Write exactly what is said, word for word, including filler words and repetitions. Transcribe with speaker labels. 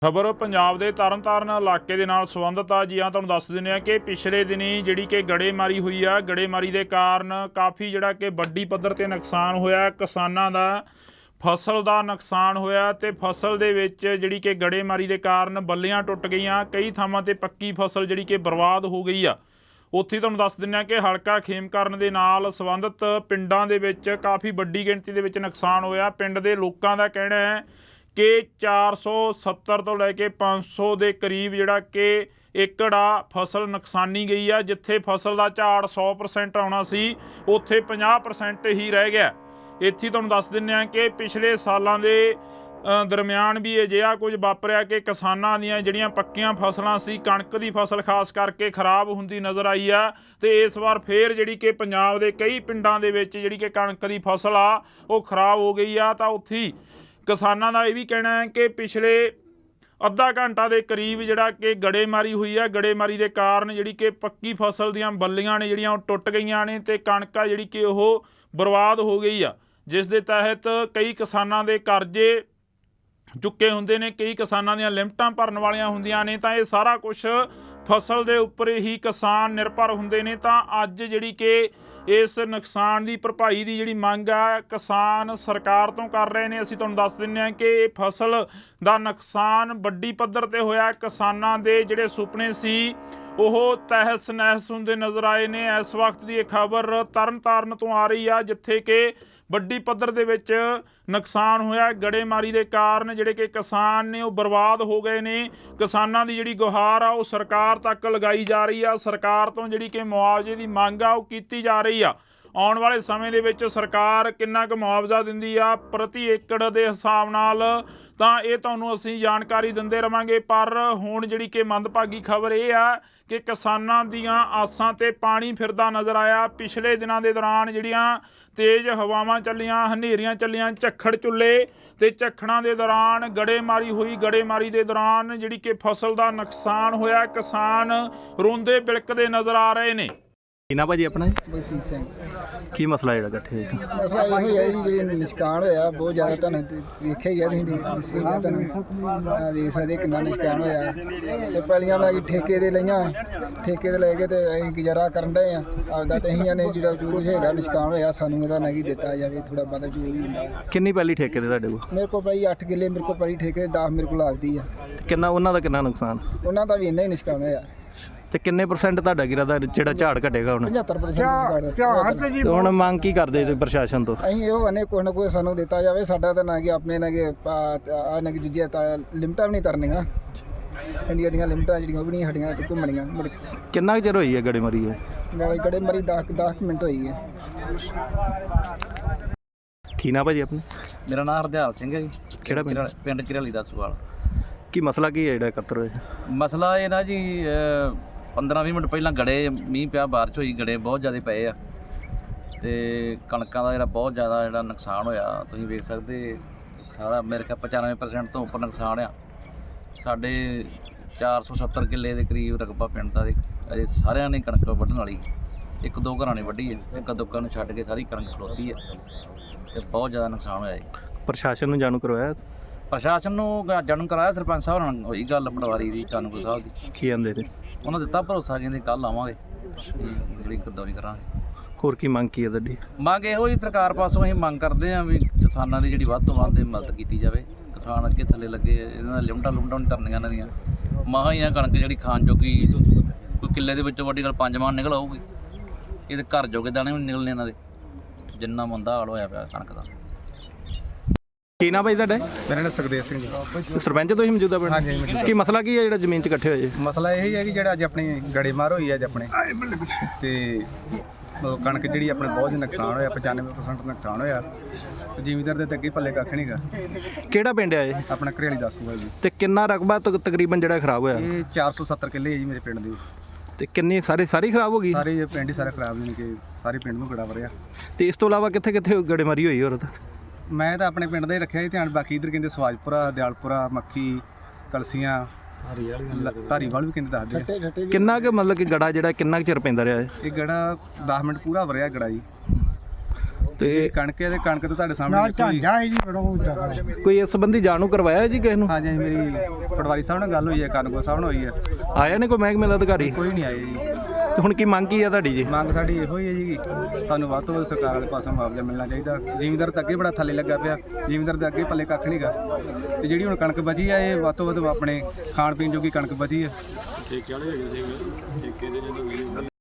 Speaker 1: ਖਬਰ ਪੰਜਾਬ ਦੇ ਤਰਨਤਾਰਨ ਇਲਾਕੇ ਦੇ ਨਾਲ ਸੰਬੰਧਿਤ ਆ ਜੀ। ਆ ਤੁਹਾਨੂੰ ਦੱਸ ਦਿੰਦੇ ਆ ਕਿ ਪਿਛਲੇ ਦਿਨੀ ਜਿਹੜੀ ਕਿ ਗੜੇਮਾਰੀ ਹੋਈ ਆ, ਗੜੇਮਾਰੀ ਦੇ ਕਾਰਨ ਕਾਫੀ ਜਿਹੜਾ ਕਿ ਵੱਡੀ ਪੱਧਰ ਤੇ ਨੁਕਸਾਨ ਹੋਇਆ। ਕਿਸਾਨਾਂ ਦਾ ਫਸਲ ਦਾ ਨੁਕਸਾਨ ਹੋਇਆ ਤੇ ਫਸਲ ਦੇ ਵਿੱਚ ਜਿਹੜੀ ਕਿ ਗੜੇਮਾਰੀ ਦੇ ਕਾਰਨ ਬੱਲੀਆਂ ਟੁੱਟ ਗਈਆਂ। ਕਈ ਥਾਵਾਂ ਤੇ ਪੱਕੀ ਫਸਲ ਜਿਹੜੀ ਕਿ ਬਰਬਾਦ ਹੋ ਗਈ ਆ। ਉੱਥੇ ਤੁਹਾਨੂੰ ਦੱਸ ਦਿੰਦੇ ਆ ਕਿ ਹਲਕਾ ਖੇਮਕਰਨ ਦੇ ਨਾਲ ਸੰਬੰਧਿਤ ਪਿੰਡਾਂ ਦੇ ਵਿੱਚ ਕਾਫੀ ਵੱਡੀ ਗਿਣਤੀ ਦੇ ਵਿੱਚ ਨੁਕਸਾਨ ਹੋਇਆ। ਪਿੰਡ ਦੇ ਲੋਕਾਂ ਦਾ ਕਹਿਣਾ ਹੈ ਕਿ ਚਾਰ ਸੌ ਸੱਤਰ ਤੋਂ ਲੈ ਕੇ ਪੰਜ ਸੌ ਦੇ ਕਰੀਬ ਜਿਹੜਾ ਕਿ ਏਕੜ ਆ ਫਸਲ ਨੁਕਸਾਨੀ ਗਈ ਆ। ਜਿੱਥੇ ਫਸਲ ਦਾ ਝਾੜ ਸੌ ਪਰਸੈਂਟ ਆਉਣਾ ਸੀ ਉੱਥੇ ਪੰਜਾਹ ਪਰਸੈਂਟ ਹੀ ਰਹਿ ਗਿਆ। ਇੱਥੇ ਤੁਹਾਨੂੰ ਦੱਸ ਦਿੰਦੇ ਹਾਂ ਕਿ ਪਿਛਲੇ ਸਾਲਾਂ ਦੇ ਦਰਮਿਆਨ ਵੀ ਅਜਿਹਾ ਕੁਝ ਵਾਪਰਿਆ ਕਿ ਕਿਸਾਨਾਂ ਦੀਆਂ ਜਿਹੜੀਆਂ ਪੱਕੀਆਂ ਫਸਲਾਂ ਸੀ, ਕਣਕ ਦੀ ਫਸਲ ਖਾਸ ਕਰਕੇ ਖਰਾਬ ਹੁੰਦੀ ਨਜ਼ਰ ਆਈ ਆ। ਤੇ ਇਸ ਵਾਰ ਫੇਰ ਜਿਹੜੀ ਕਿ ਪੰਜਾਬ ਦੇ ਕਈ ਪਿੰਡਾਂ ਦੇ ਵਿੱਚ ਜਿਹੜੀ ਕਿ ਕਣਕ ਦੀ ਫਸਲ ਆ ਉਹ ਖਰਾਬ ਹੋ ਗਈ ਆ। ਤਾਂ ਉੱਥੇ ਕਿਸਾਨਾਂ ਦਾ ਇਹ ਵੀ ਕਹਿਣਾ ਹੈ ਕਿ ਪਿਛਲੇ ਅੱਧਾ ਘੰਟਾ ਦੇ ਕਰੀਬ ਜਿਹੜਾ ਕਿ ਗੜੇਮਾਰੀ ਹੋਈ ਆ। ਗੜੇਮਾਰੀ ਦੇ ਕਾਰਨ ਜਿਹੜੀ ਕਿ ਪੱਕੀ ਫਸਲ ਦੀਆਂ ਬੱਲੀਆਂ ਨੇ ਜਿਹੜੀਆਂ ਉਹ ਟੁੱਟ ਗਈਆਂ ਨੇ ਤੇ ਕਣਕ ਆ ਜਿਹੜੀ ਕਿ ਉਹ ਬਰਬਾਦ ਹੋ ਗਈ ਆ, ਜਿਸ ਦੇ ਤਹਿਤ ਕਈ ਕਿਸਾਨਾਂ ਦੇ ਕਰਜ਼ੇ ਚੁੱਕੇ ਹੁੰਦੇ ਨੇ, ਕਈ ਕਿਸਾਨਾਂ ਦੀਆਂ ਲਿਮਟਾਂ ਭਰਨ ਵਾਲੀਆਂ ਹੁੰਦੀਆਂ ਨੇ। ਤਾਂ ਇਹ ਸਾਰਾ ਕੁਝ ਫਸਲ ਦੇ ਉੱਪਰ ਹੀ ਕਿਸਾਨ ਨਿਰਭਰ ਹੁੰਦੇ ਨੇ। ਤਾਂ ਅੱਜ ਜਿਹੜੀ ਕਿ ਇਸ ਨੁਕਸਾਨ ਦੀ ਭਰਪਾਈ ਦੀ ਜਿਹੜੀ ਮੰਗ ਆ ਕਿਸਾਨ ਸਰਕਾਰ ਤੋਂ ਕਰ ਰਹੇ ਨੇ। ਅਸੀਂ ਤੁਹਾਨੂੰ ਦੱਸ ਦਿੰਦੇ ਹਾਂ ਕਿ ਇਹ ਫਸਲ ਦਾ ਨੁਕਸਾਨ ਵੱਡੀ ਪੱਧਰ ਤੇ ਹੋਇਆ। ਕਿਸਾਨਾਂ ਦੇ ਜਿਹੜੇ ਸੁਪਨੇ ਸੀ ਉਹ ਤਹਿਸ ਨਹਿਸ ਹੁੰਦੇ ਨਜ਼ਰ ਆਏ ਨੇ। ਇਸ ਵਕਤ ਦੀ ਇਹ ਖਬਰ ਤਰਨਤਾਰਨ ਤੋਂ ਆ ਰਹੀ ਆ, ਜਿੱਥੇ ਕਿ ਵੱਡੀ ਪੱਧਰ ਦੇ ਵਿੱਚ ਨੁਕਸਾਨ ਹੋਇਆ। ਗੜੇਮਾਰੀ ਦੇ ਕਾਰਨ ਜਿਹੜੇ ਕਿ ਕਿਸਾਨ ਨੇ ਉਹ ਬਰਬਾਦ ਹੋ ਗਏ ਨੇ। ਕਿਸਾਨਾਂ ਦੀ ਜਿਹੜੀ ਗੁਹਾਰ ਆ ਉਹ ਸਰਕਾਰ ਤੱਕ ਲਗਾਈ ਜਾ ਰਹੀ ਆ। ਸਰਕਾਰ ਤੋਂ ਜਿਹੜੀ ਕਿ ਮੁਆਵਜ਼ੇ ਦੀ ਮੰਗ ਆ ਉਹ ਕੀਤੀ ਜਾ ਰਹੀ ਆ। ਆਉਣ ਵਾਲੇ ਸਮੇਂ ਦੇ ਵਿੱਚ ਸਰਕਾਰ ਕਿੰਨਾ ਕੁ ਮੁਆਵਜ਼ਾ ਦਿੰਦੀ ਆ ਪ੍ਰਤੀ ਏਕੜ ਦੇ ਹਿਸਾਬ ਨਾਲ, ਤਾਂ ਇਹ ਤੁਹਾਨੂੰ ਅਸੀਂ ਜਾਣਕਾਰੀ ਦਿੰਦੇ ਰਵਾਂਗੇ। ਪਰ ਹੁਣ ਜਿਹੜੀ ਕਿ ਮੰਦਭਾਗੀ ਖਬਰ ਇਹ ਆ ਕਿ ਕਿਸਾਨਾਂ ਦੀਆਂ ਆਸਾਂ ਤੇ ਪਾਣੀ ਫਿਰਦਾ ਨਜ਼ਰ ਆਇਆ। ਪਿਛਲੇ ਦਿਨਾਂ ਦੇ ਦੌਰਾਨ ਜਿਹੜੀਆਂ ਤੇਜ਼ ਹਵਾਵਾਂ ਚੱਲੀਆਂ, ਹਨੇਰੀਆਂ ਚੱਲੀਆਂ, ਝੱਖੜ ਚੁੱਲੇ ਤੇ ਝੱਖੜਾਂ ਦੇ ਦੌਰਾਨ ਗੜੇਮਾਰੀ ਹੋਈ। ਗੜੇਮਾਰੀ ਦੇ ਦੌਰਾਨ ਜਿਹੜੀ ਕਿ ਫਸਲ ਦਾ ਨੁਕਸਾਨ ਹੋਇਆ। ਕਿਸਾਨ ਰੋਂਦੇ ਬਿਲਕਦੇ ਨਜ਼ਰ ਆ ਰਹੇ ਨੇ।
Speaker 2: ਕੀ ਨਾ ਭਾਜੀ ਆਪਣਾ?
Speaker 3: ਬਲਸੀਤ ਸਿੰਘ।
Speaker 2: ਕੀ ਮਸਲਾ ਜਿਹੜਾ ਇਕੱਠੇ ਹੋਇਆ?
Speaker 3: ਮਸਲਾ ਇਹੋ ਹੀ ਹੈ ਜੀ, ਜਿਹੜੀ ਨੁਕਸਾਨ ਹੋਇਆ ਬਹੁਤ ਜ਼ਿਆਦਾ। ਤੁਹਾਨੂੰ ਵੇਖਿਆ ਹੀ ਹੈ ਤੁਸੀਂ ਦੱਸੀ ਨਾ, ਤੁਹਾਨੂੰ ਵੇਖ ਸਕਦੇ ਕਿੰਨਾ ਨੁਕਸਾਨ ਹੋਇਆ। ਤੇ ਪਹਿਲੀਆਂ ਨਾਲ ਜੀ ਠੇਕੇ ਦੇ ਲਈਆਂ, ਠੇਕੇ ਦੇ ਲੈ ਕੇ ਤੇ ਅਸੀਂ ਗੁਜ਼ਾਰਾ ਕਰਨ ਡਏ ਆ ਆਪਦਾ। ਤੇ ਅਸੀਂ ਨੇ ਜਿਹੜਾ ਜੋ ਕੁਝ ਹੈਗਾ ਨੁਕਸਾਨ ਹੋਇਆ ਸਾਨੂੰ ਇਹਦਾ ਨਾ ਕੀ ਦਿੱਤਾ ਜਾਵੇ, ਥੋੜਾ ਬਹੁਤਾ ਜੋ ਵੀ ਹੁੰਦਾ।
Speaker 2: ਕਿੰਨੀ ਪਹਿਲੀ ਠੇਕੇ ਤੇ ਤੁਹਾਡੇ ਕੋਲ?
Speaker 3: ਮੇਰੇ ਕੋਲ ਭਾਈ ਅੱਠ ਕਿੱਲੇ ਮੇਰੇ ਕੋਲ ਪਹਿਲੀ ਠੇਕੇ, ਦਸ ਮੇਰੇ ਕੋਲ ਲੱਗਦੀ ਆ।
Speaker 2: ਕਿੰਨਾ ਉਹਨਾਂ ਦਾ ਕਿੰਨਾ ਨੁਕਸਾਨ?
Speaker 3: ਉਹਨਾਂ ਦਾ ਵੀ ਇੰਨਾ ਹੀ ਨੁਕਸਾਨ ਹੋਇਆ।
Speaker 2: ਤੇ ਕਿੰਨੇ ਪਰਸੈਂਟ ਤੁਹਾਡਾ ਗਿਰਾ ਦਾ ਜਿਹੜਾ ਝਾੜ ਘਟੇਗਾ ਹੁਣ?
Speaker 3: ਪਝੱਤਰ ਪਰਸੈਂਟ।
Speaker 2: ਤੇ ਹੁਣ ਮੰਗ ਕੀ ਕਰਦੇ ਤੁਸੀਂ ਪ੍ਰਸ਼ਾਸਨ ਤੋਂ?
Speaker 3: ਅਸੀਂ ਇਹੋ ਕਹਿੰਦੇ ਕੋਈ ਨਾ ਕੋਈ ਸਾਨੂੰ ਦਿੱਤਾ ਜਾਵੇ। ਸਾਡਾ ਤਾਂ ਨਾ ਕਿ ਆਪਣੇ ਨਾ ਕਿ ਆ ਨਾ ਕਿ ਦੂਜੀਆਂ ਤਾਂ ਲਿਮਟਾਂ ਵੀ ਨਹੀਂ ਤਰਨੀਆਂ, ਇੰਡੀਆ ਦੀਆਂ ਲਿਮਟਾਂ ਜਿਹੜੀਆਂ ਉਹ ਵੀ ਨਹੀਂ ਸਾਡੀਆਂ ਤੇ ਘੁੰਮਣੀਆਂ।
Speaker 2: ਕਿੰਨਾ ਕੁ ਚਿਰ ਹੋਈ ਹੈ ਗੜੇਮਾਰੀ? ਹੈ
Speaker 3: ਨਾਲੇ ਗੜੇਮਾਰੀ ਦਸ ਦਸ ਮਿੰਟ ਹੋਈ ਹੈ।
Speaker 2: ਕੀ ਨਾ ਭਾਜੀ ਆਪਣਾ?
Speaker 4: ਮੇਰਾ ਨਾਮ ਹਰਦਿਆਲ ਸਿੰਘ ਹੈ ਜੀ।
Speaker 2: ਕਿਹੜਾ ਪਿੰਡ?
Speaker 4: ਪਿੰਡ ਚਿਰਾਲੀ ਦਾ ਸੁਵਾਲ।
Speaker 2: ਕੀ ਮਸਲਾ ਕੀ ਹੈ ਜਿਹੜਾ ਇਕੱਤਰ ਹੋਇਆ?
Speaker 4: ਮਸਲਾ ਇਹ ਨਾ ਜੀ, ਪੰਦਰਾਂ ਵੀਹ ਮਿੰਟ ਪਹਿਲਾਂ ਗੜੇ ਮੀਂਹ ਪਿਆ, ਬਾਰਿਸ਼ ਹੋਈ, ਗੜੇ ਬਹੁਤ ਜ਼ਿਆਦਾ ਪਏ ਆ ਤੇ ਕਣਕਾਂ ਦਾ ਜਿਹੜਾ ਬਹੁਤ ਜ਼ਿਆਦਾ ਜਿਹੜਾ ਨੁਕਸਾਨ ਹੋਇਆ ਤੁਸੀਂ ਵੇਖ ਸਕਦੇ। ਸਾਰਾ ਮੇਰੇ ਖਿਆਲ ਪਚਾਨਵੇਂ ਪਰਸੈਂਟ ਤੋਂ ਉੱਪਰ ਨੁਕਸਾਨ ਆ। ਸਾਡੇ ਚਾਰ ਸੌ ਸੱਤਰ ਕਿੱਲੇ ਦੇ ਕਰੀਬ ਰਕਬਾ ਪਿੰਡ ਦਾ। ਅਜੇ ਸਾਰਿਆਂ ਨੇ ਕਣਕ ਵੱਢਣ ਵਾਲੀ, ਇੱਕ ਦੋ ਘਰਾਂ ਨੇ ਵੱਢੀ ਹੈ, ਇੱਕ ਦੋ ਘਰਾਂ ਨੂੰ ਛੱਡ ਕੇ ਸਾਰੀ ਕਣਕ ਖਲੋਤੀ ਹੈ ਤੇ ਬਹੁਤ ਜ਼ਿਆਦਾ ਨੁਕਸਾਨ ਹੋਇਆ ਜੀ।
Speaker 2: ਪ੍ਰਸ਼ਾਸਨ ਨੂੰ ਜਾਣੂ ਕਰਵਾਇਆ?
Speaker 4: ਪ੍ਰਸ਼ਾਸਨ ਨੂੰ ਜਾਣੂ ਕਰਾਇਆ, ਸਰਪੰਚ ਸਾਹਿਬ ਨਾਲ ਹੋਈ ਗੱਲ ਪਟਵਾਰੀ ਦੀ, ਕਾਨੂੰਗੋ ਸਾਹਿਬ ਦੀ।
Speaker 2: ਕੀ ਆਂਦੇ ਨੇ?
Speaker 4: ਉਹਨਾਂ ਦਿੱਤਾ ਭਰੋਸਾ, ਕਹਿੰਦੇ ਕੱਲ੍ਹ ਆਵਾਂਗੇ, ਜਿਹੜੀ ਗਰਦੌਰੀ ਕਰਾਂਗੇ।
Speaker 2: ਹੋਰ ਕੀ ਮੰਗ ਕੀ ਹੈ ਤੁਹਾਡੀ?
Speaker 4: ਮੰਗ ਇਹੋ ਹੀ ਸਰਕਾਰ ਪਾਸੋਂ ਅਸੀਂ ਮੰਗ ਕਰਦੇ ਹਾਂ ਵੀ ਕਿਸਾਨਾਂ ਦੀ ਜਿਹੜੀ ਵੱਧ ਤੋਂ ਵੱਧ ਮਦਦ ਕੀਤੀ ਜਾਵੇ। ਕਿਸਾਨ ਅੱਗੇ ਥੱਲੇ ਲੱਗੇ, ਇਹਨਾਂ ਦਾ ਲਿਮਟਾਂ ਲੁਮਟਾਂ ਨਹੀਂ ਤਰਨੀਆਂ ਇਹਨਾਂ ਦੀਆਂ। ਮਹਾਂ ਹੀ ਆ ਕਣਕ ਜਿਹੜੀ ਖਾਣ ਜੋਗੀ, ਕੋਈ ਕਿੱਲੇ ਦੇ ਵਿੱਚੋਂ ਵੱਡੀ ਗੱਲ ਪੰਜ ਮਣ ਨਿਕਲ ਆਊਗੀ। ਇਹਦੇ ਘਰ ਜੋਗੇ ਦਾਣੇ ਵੀ ਨਹੀਂ ਨਿਕਲਣੇ ਇਹਨਾਂ ਦੇ, ਜਿੰਨਾ ਮੰਦਾ ਹਾਲ ਹੋਇਆ ਪਿਆ ਕਣਕ ਦਾ।
Speaker 2: ਕੀ ਨਾ ਭਾਈ ਤੁਹਾਡਾ?
Speaker 5: ਮੇਰਾ ਨਾਮ ਸੁਖਦੇਵ ਸਿੰਘ ਜੀ।
Speaker 2: ਸਰਪੰਚ ਤੁਸੀਂ ਮੌਜੂਦਾ ਪਿੰਡ?
Speaker 5: ਹਾਂਜੀ ਮੌਜੂਦਾ।
Speaker 2: ਕੀ ਮਸਲਾ ਕੀ ਹੈ ਜਿਹੜਾ ਜ਼ਮੀਨ 'ਚ ਇਕੱਠੇ ਹੋਏ?
Speaker 5: ਮਸਲਾ ਇਹ ਹੀ ਹੈ ਕਿ ਜਿਹੜਾ ਅੱਜ ਆਪਣੀ ਗੜੇਮਾਰ ਹੋਈ ਅੱਜ ਆਪਣੇ ਤੇ ਕਣਕ ਜਿਹੜੀ ਆਪਣੇ ਬਹੁਤ ਨੁਕਸਾਨ ਹੋਇਆ, ਪਚਾਨਵੇਂ ਪਰਸੈਂਟ ਨੁਕਸਾਨ ਹੋਇਆ। ਜ਼ਿਮੀਂਦਾਰ ਦੇ ਤਾਂ ਅੱਗੇ ਪੱਲੇ ਕੱਖ ਨਹੀਂਗਾ।
Speaker 2: ਕਿਹੜਾ ਪਿੰਡ ਹੈ ਇਹ?
Speaker 5: ਆਪਣਾ ਘਰੇਲੀ ਦੱਸੂਗਾ ਜੀ।
Speaker 2: ਤੇ ਕਿੰਨਾ ਰਕਬਾ ਤਕਰੀਬਨ ਜਿਹੜਾ ਖਰਾਬ ਹੋਇਆ?
Speaker 5: ਇਹ ਚਾਰ ਸੌ ਸੱਤਰ ਕਿੱਲੇ ਹੈ ਜੀ ਮੇਰੇ ਪਿੰਡ ਦੇ।
Speaker 2: ਤੇ ਕਿੰਨੀ ਸਾਰੇ ਸਾਰੀ ਖਰਾਬ ਹੋ ਗਈ?
Speaker 5: ਸਾਰੇ ਪਿੰਡ ਹੀ ਸਾਰਾ ਖਰਾਬ ਨਹੀਂ ਕਿ ਸਾਰੇ ਪਿੰਡ ਨੂੰ ਗੜਾ ਵਰਿਆ।
Speaker 2: ਤੇ ਇਸ ਤੋਂ ਇਲਾਵਾ ਕਿੱਥੇ ਕਿੱਥੇ ਗੜੇਮਾਰੀ ਹੋਈ ਹੋਰ?
Speaker 5: ਮੈਂ ਤਾਂ ਆਪਣੇ ਪਿੰਡ ਦਾ ਹੀ ਰੱਖਿਆ ਜੀ ਧਿਆਨ, ਬਾਕੀ ਇੱਧਰ ਕਹਿੰਦੇ ਸਵਾਜਪੁਰਾ, ਦਿਆਲਪੁਰਾ, ਮੱਖੀ, ਕਲਸੀਆਂ, ਧਾਰੀਵਾਲ ਵੀ ਕਹਿੰਦੇ ਦੱਸਦੇ।
Speaker 2: ਕਿੰਨਾ ਕੁ ਮਤਲਬ ਕਿ ਗੜਾ ਜਿਹੜਾ ਕਿੰਨਾ ਕੁ ਚਿਰ ਪੈਂਦਾ ਰਿਹਾ?
Speaker 5: ਇਹ ਗੜਾ ਦਸ ਮਿੰਟ ਪੂਰਾ ਵਰਿਆ ਗੜਾ ਜੀ।
Speaker 2: ਤੇ
Speaker 5: ਕਣਕ ਹੈ ਤੇ ਕਣਕ ਤਾਂ ਤੁਹਾਡੇ ਸਾਹਮਣੇ ਦੇਖੋ ਜੀ।
Speaker 3: ਹੈ ਜੀ ਬੜਾ ਜ਼ਿਆਦਾ
Speaker 2: ਕੋਈ ਇਸ ਸੰਬੰਧੀ ਜਾਣੂ ਕਰਵਾਇਆ ਜੀ ਕਿਸੇ ਨੂੰ?
Speaker 5: ਹਾਂਜੀ ਹਾਂਜੀ, ਮੇਰੀ ਪਟਵਾਰੀ ਸਾਹਿਬ ਨਾਲ ਗੱਲ ਹੋਈ ਹੈ, ਕਾਨੂੰਗੋ ਸਾਹਿਬ ਨਾਲ ਹੋਈ ਹੈ,
Speaker 2: ਆਇਆ ਨੇ ਕੋਈ ਮਹਿਕਮੇ ਦਾ ਅਧਿਕਾਰੀ?
Speaker 5: ਕੋਈ ਨਹੀਂ ਆਏ ਜੀ।
Speaker 2: ਤੇ ਹੁਣ ਕੀ ਮੰਗ ਕੀ ਆ ਤੁਹਾਡੀ ਜੀ?
Speaker 5: ਮੰਗ ਸਾਡੀ ਇਹੋ ਹੀ ਹੈ ਜੀ ਕਿ ਸਾਨੂੰ ਵੱਧ ਤੋਂ ਵੱਧ ਸਰਕਾਰ ਵਾਲੇ ਪਾਸੋਂ ਮੁਆਵਜ਼ਾ ਮਿਲਣਾ ਚਾਹੀਦਾ। ਜ਼ਿਮੀਂਦਾਰ ਤਾਂ ਅੱਗੇ ਬੜਾ ਥੱਲੇ ਲੱਗਾ ਪਿਆ, ਜ਼ਿਮੀਂਦਾਰ ਦੇ ਅੱਗੇ ਪੱਲੇ ਕੱਖ ਨਹੀਂਗਾ, ਤੇ ਜਿਹੜੀ ਹੁਣ ਕਣਕ ਬਚੀ ਆ ਇਹ ਵੱਧ ਤੋਂ ਵੱਧ ਆਪਣੇ ਖਾਣ ਪੀਣ ਜੋਗੀ ਕਣਕ ਬਚੀ ਹੈ।